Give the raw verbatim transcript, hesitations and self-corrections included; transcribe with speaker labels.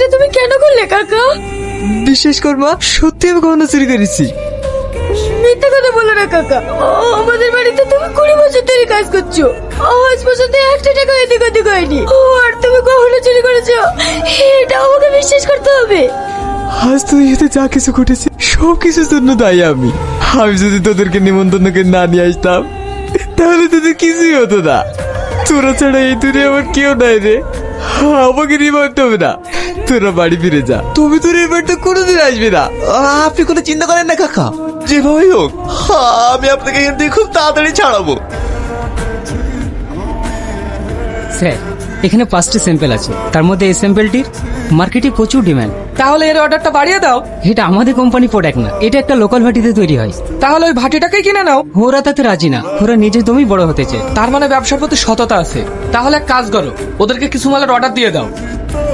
Speaker 1: তুমি কেন করলে কাকা?
Speaker 2: বিশ্বাস কর মা, সত্যি আমি গহনা চুরি করেছি।
Speaker 1: মিথ্যা কথা বলো না কাকা। আমাদের বাড়িতে তুমি কুড়ি বছর ধরে কাজ করছো, আজ পর্যন্ত একটা টাকা এদিক ওদিক হয়নি, আর তুমি গহনা চুরি করেছো, এটা আমাকে বিশ্বাস করতে হবে।
Speaker 2: আজ তুই এতে যা কিছু ঘটেছে সব কিছুর জন্য দায়ী আমি। আমি যদি তোদেরকে নিমন্ত্রণ করে না নিয়ে আসতাম তাহলে তোদের কিছুই হতো না। তোরা ছাড়া এই দুনিয়া আমার কেউ নাই রে। আমাকে নিমন্ত্রণ হবে না, তোরা বাড়ি ফিরে যা। তুমি তোর এই বাড়িতে কোনোদিন আসবে না।
Speaker 3: আপনি কোনো চিন্তা করেন না কাকা, যেভাবেই হোক আমি আপনাকে এখান থেকে খুব তাড়াতাড়ি ছাড়াবো।
Speaker 4: স্যার, এখানে পাঁচটি স্যাম্পেল আছে, তার মধ্যে এই স্যাম্পেলটির মার্কেটে প্রচুর ডিমান্ড।
Speaker 5: তাহলে এর অর্ডারটা বাড়িয়ে দাও।
Speaker 4: এটা আমাদের কোম্পানি প্রোডাক্ট না, এটা একটা লোকাল ভাটিতে তৈরি হয়।
Speaker 5: তাহলে ওই ভাটিটাকেই কিনে নাও।
Speaker 4: ওরা তাতে রাজি না, ওরা নিজের দমই বড় হতে চায়।
Speaker 5: তার মানে ব্যবসার প্রতি সততা আছে। তাহলে এক কাজ করো, ওদেরকে কিছু মালের অর্ডার দিয়ে দাও।